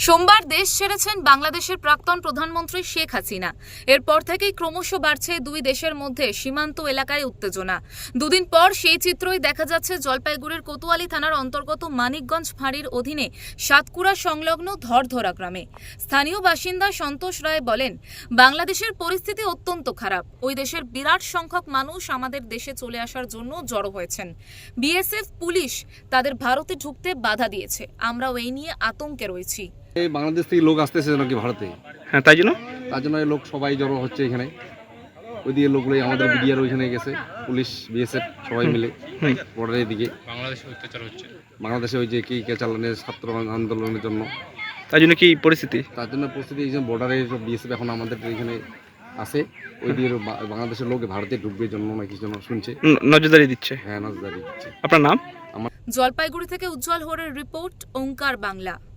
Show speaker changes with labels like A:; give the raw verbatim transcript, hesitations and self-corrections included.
A: সোমবার দেশ ছেড়েছেন বাংলাদেশের প্রাক্তন প্রধানমন্ত্রী শেখ হাসিনা। এরপর থেকেই ক্রমশ বাড়ছে দুই দেশের মধ্যে সীমান্ত এলাকায় উত্তেজনা। দুদিন পর সেই চিত্রই দেখা যাচ্ছে জলপাইগুড়ির কোতোয়ালি থানার অন্তর্গত মানিকগঞ্জ ফাঁড়ির অধীনে সাতকুড়া সংলগ্ন ধরধরা গ্রামে। স্থানীয় বাসিন্দা সন্তোষ রায় বলেন, বাংলাদেশের পরিস্থিতি অত্যন্ত খারাপ। ওই দেশের বিরাট সংখ্যক মানুষ আমাদের দেশে চলে আসার জন্য জড়ো হয়েছেন। বিএসএফ পুলিশ তাদের ভারতে ঢুকতে বাধা দিয়েছে। আমরাও এই নিয়ে আতঙ্কে রয়েছি।
B: এই বাংলাদেশ থেকে লোক আসতেছে নাকি ভারতে,
C: হ্যাঁ তাই জন্য
B: তার জন্য এই লোক সবাই জড়ো হচ্ছে এখানে। ওই দিকে লোকগুলো আমাদের বিডিআর ওইখানে গেছে, পুলিশ বিএসএফ সবাই মিলে বর্ডারের দিকে।
D: বাংলাদেশে অত্যাচার হচ্ছে
B: বাংলাদেশে ওই যে কি কে চালানের ছাত্র আন্দোলনের জন্য,
C: তাই জন্য কি পরিস্থিতি
B: তার জন্য পরিস্থিতি এই যে বর্ডারে বিএসএফ এখন আমাদের এখানে আছে। ওই দিকে বা- বাংলাদেশের লোক ভারতে ঢুকবে জন্য নাকি জন্য শুনছে।
C: ন- নজরদারি দিচ্ছে।
B: হ্যাঁ, নজরদারি দিচ্ছে।
C: আপনার নাম?
A: জলপাইগুড়ি থেকে উজ্জ্বল হোরের রিপোর্ট, ওঙ্কার বাংলা।